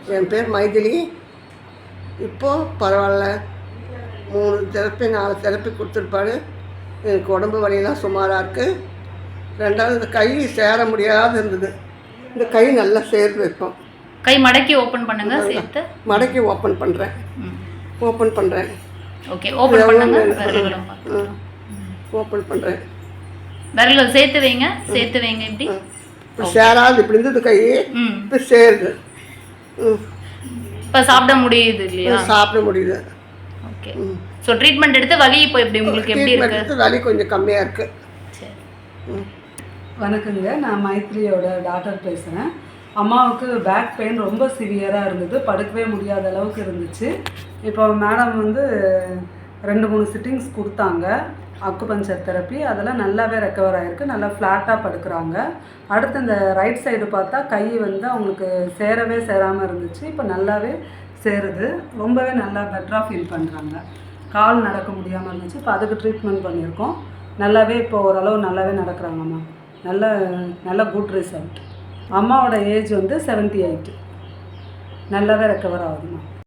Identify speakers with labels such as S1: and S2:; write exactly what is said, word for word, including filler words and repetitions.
S1: என் பேர் மைதிலி. இப்போது பரவாயில்ல, மூணு தெரப்பி நாலு தெரப்பி கொடுத்துருப்பாரு. எனக்கு உடம்பு வலியெல்லாம் சுமாராக இருக்குது. ரெண்டாவது இந்த கை சேர முடியாத இருந்தது, இந்த கை நல்லா சேர்ந்து வைப்போம்.
S2: கை மடக்கி ஓப்பன் பண்ணுங்க. சேர்த்து
S1: மடக்கி ஓப்பன் பண்ணுறேன் ஓப்பன் பண்ணுறேன்
S2: ஓகே ஓப்பன் பண்ணுங்க.
S1: ஓப்பன் பண்ணுறேன்.
S2: விரல்கள் சேர்த்து வைங்க. சேர்த்து வைங்க. இப்படி
S1: இப்போ சேராது, இப்படி இருந்தது கை, இப்போ சேருது.
S2: இப்போ சாப்பிட முடியுது இல்லையா?
S1: சாப்பிட முடியுது.
S2: ஓகே. ஸோ ட்ரீட்மெண்ட் எடுத்து வலி இப்போ எப்படி உங்களுக்கு எப்படி இருக்கு?
S1: வலி கொஞ்சம் கம்மியாக இருக்குது.
S2: சரி.
S3: வணக்கங்க, நான் மைத்ரியோட டாக்டர் பேசுகிறேன். அம்மாவுக்கு பேக் பெயின் ரொம்ப சிவியராக இருந்தது, படுக்கவே முடியாத அளவுக்கு இருந்துச்சு. இப்போ மேடம் வந்து ரெண்டு மூணு சிட்டிங்ஸ் கொடுத்தாங்க, அக்குபஞ்சர் தெரப்பி. அதெல்லாம் நல்லாவே ரெக்கவர் ஆகிருக்கு. நல்லா ஃப்ளாட்டாக படுக்கிறாங்க. அடுத்து இந்த ரைட் சைடு பார்த்தா கை வந்து அவங்களுக்கு சேரவே சேராமல் இருந்துச்சு, இப்போ நல்லாவே சேருது. ரொம்பவே நல்லா பெட்டராக ஃபீல் பண்ணுறாங்க. கால் நடக்க முடியாமல் இருந்துச்சு, இப்போ அதுக்கு ட்ரீட்மெண்ட் பண்ணியிருக்கோம். நல்லாவே இப்போ ஓரளவு நல்லாவே நடக்கிறாங்கம்மா. நல்ல நல்ல குட் ரிசல்ட். அம்மாவோட ஏஜ் வந்து செவன்ட்டி எயிட். நல்லாவே ரெக்கவர் ஆகுதும்மா.